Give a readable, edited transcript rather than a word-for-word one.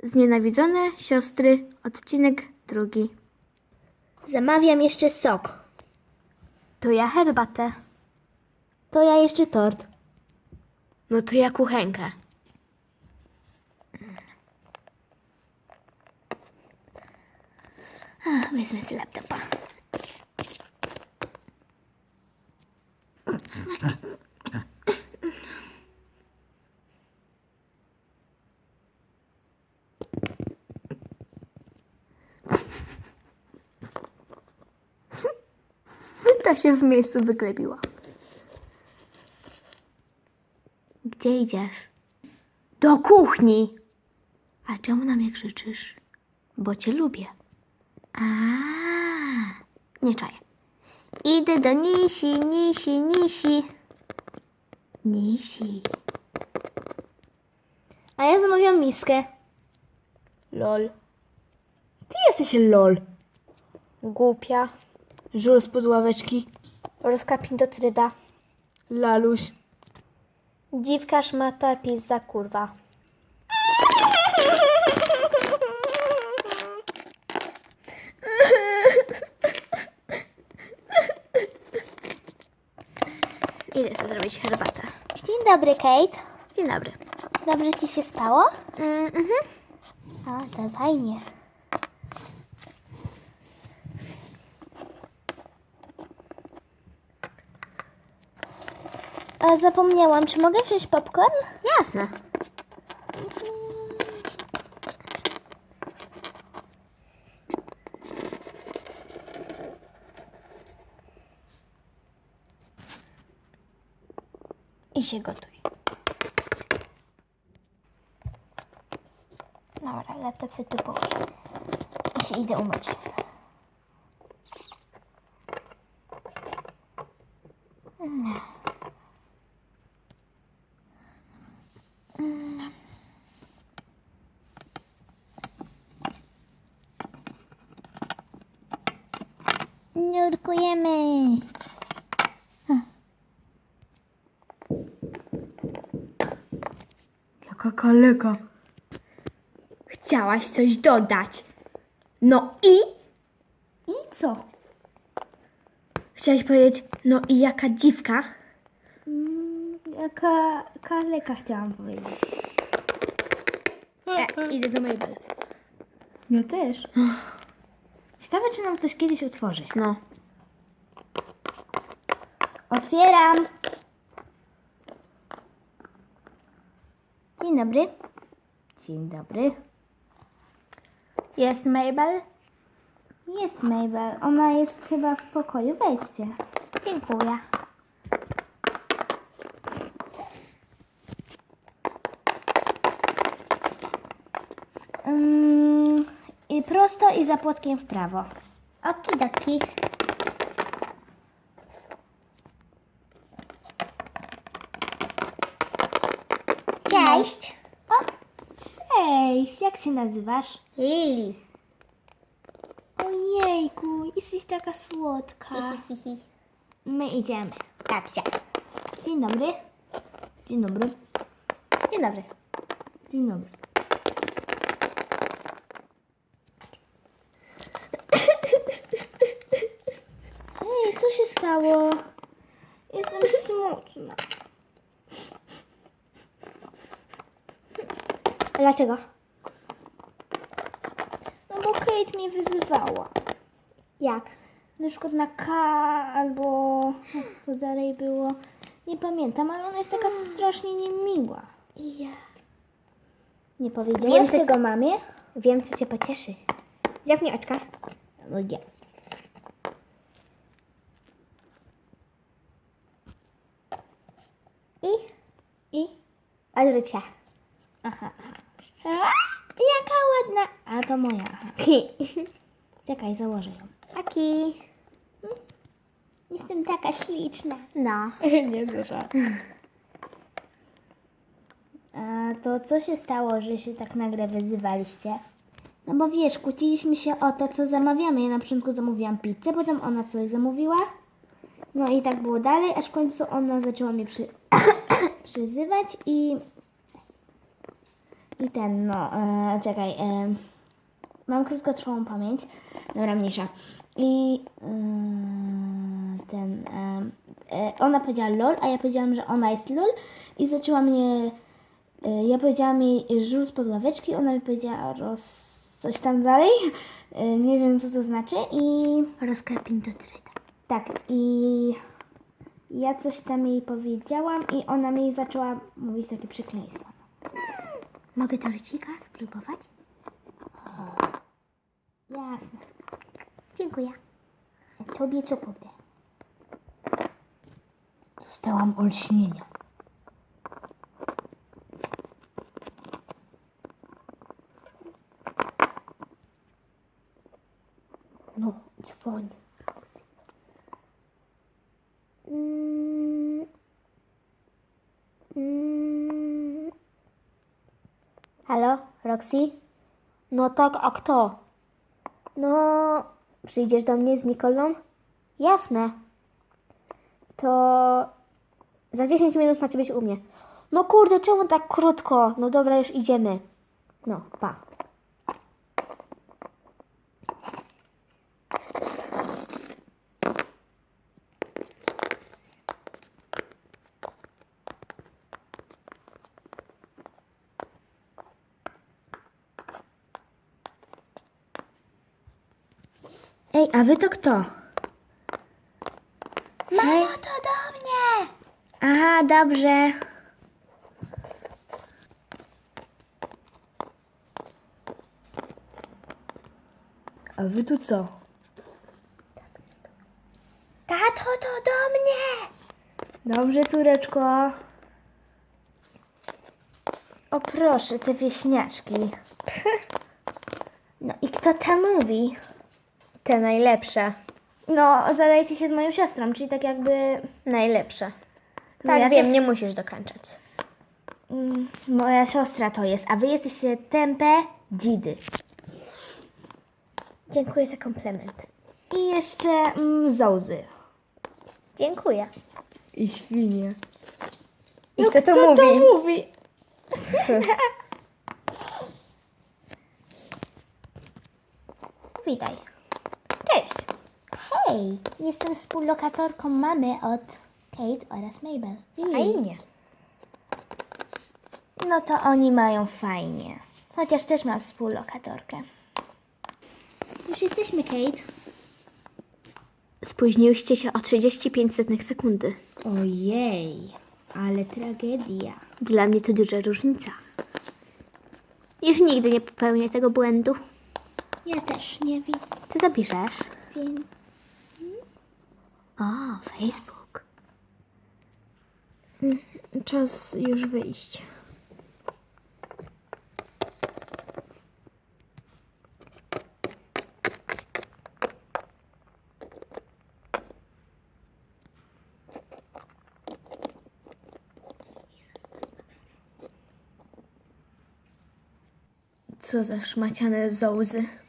Znienawidzone siostry, odcinek 2. Zamawiam jeszcze sok. To ja herbatę. To ja jeszcze tort. No to ja kuchenkę. Wezmę sobie laptopa. Ta się w miejscu wyklepiła. Gdzie idziesz? Do kuchni. A czemu na mnie krzyczysz? Bo cię lubię. A, nie czaję. Idę do Nisi, Nisi, Nisi. Nisi. A ja zamawiam miskę. Lol. Ty jesteś lol. Głupia. Żul spod ławeczki. Rozkapin do tryda. Laluś. Dziwka, szmata, pizza, kurwa. Idę sobie zrobić herbatę. Dzień dobry, Kate. Dzień dobry. Dobrze ci się spało? Mhm. A, to fajnie. A zapomniałam, czy mogę wziąć popcorn? Jasne. I się gotuj. Dobra, laptop sobie tu położę. I się idę umyć. Nurkujemy. Jaka kaleka. Chciałaś coś dodać. No i? I co? Chciałaś powiedzieć, no i jaka dziwka? Jaka kaleka chciałam powiedzieć. Idę do Mabel. Ja też. Ciekawe, czy nam ktoś kiedyś otworzy. No. Otwieram. Dzień dobry. Dzień dobry. Jest Mabel? Jest Mabel. Ona jest chyba w pokoju. Wejdźcie. Dziękuję. I prosto i za płotkiem w prawo. Okidoki. Cześć. O, cześć. Jak się nazywasz? Lili. Ojejku, jesteś taka słodka. My idziemy. Kapsia. Dzień dobry. Dzień dobry. Dzień dobry. Dzień dobry. Ej, co się stało? Jestem smutna. Dlaczego? No bo Kate mnie wyzywała. Jak? Na przykład na K albo co dalej było. Nie pamiętam, ale ona jest taka strasznie niemiła. Ja. Nie powiedziałaś co- tego mamie? Wiem, co cię pocieszy. Dziabnij oczka. No nie. I? Odwróć się. Aha. Jaka ładna. A to moja. Aha. Czekaj, założę ją. Aki. Jestem taka śliczna. No. Nie duża. A to co się stało, że się tak nagle wyzywaliście? No bo wiesz, kłóciliśmy się o to, co zamawiamy. Ja na początku zamówiłam pizzę, potem ona coś zamówiła. No i tak było dalej, aż w końcu ona zaczęła mnie przyzywać i I ten, no, czekaj, mam krótkotrwałą pamięć. Dobra, mniejsza. I ona powiedziała lol, a ja powiedziałam, że ona jest lol i zaczęła mnie, ja powiedziałam jej żul spod ławeczki, ona mi powiedziała coś tam dalej, nie wiem co to znaczy i... Rozklepin do dryta. Tak, i ja coś tam jej powiedziałam i ona mi zaczęła mówić takie przekleństwa. Mogę torcika spróbować? Jasne. Dziękuję. Tobie co kurde? Dostałam olśnienia. No, dzwoń. Halo, Roxy? No tak, a kto? No, przyjdziesz do mnie z Nikolą? Jasne. To za 10 minut macie być u mnie. No kurde, czemu tak krótko? No dobra, już idziemy. No, pa. Ej, a wy to kto? Mamo, to do mnie! Aha, dobrze. A wy tu co? Tato, to do mnie! Dobrze, córeczko. O proszę, te wieśniaczki. No i kto tam mówi? Te najlepsze. No, zadajcie się z moją siostrą, czyli tak jakby... Najlepsze. No Tak, ja wiem, też- nie musisz dokończać. Moja siostra to jest, a wy jesteście tępe dzidy. Dziękuję za komplement. I jeszcze zołzy. Dziękuję. I świnie. I kto to mówi? mówi? Witaj. Cześć. Hej, jestem współlokatorką mamy od Kate oraz Mabel. Fajnie. No to oni mają fajnie. Chociaż też mam współlokatorkę. Już jesteśmy, Kate. Spóźniłyście się o 35 sekundy. Ojej, ale tragedia. Dla mnie to duża różnica. Już nigdy nie popełnię tego błędu. Ja też nie wiem. Co zapiszesz? Wiem. O, Facebook. Czas już wyjść. Co za szmaciane zołzy.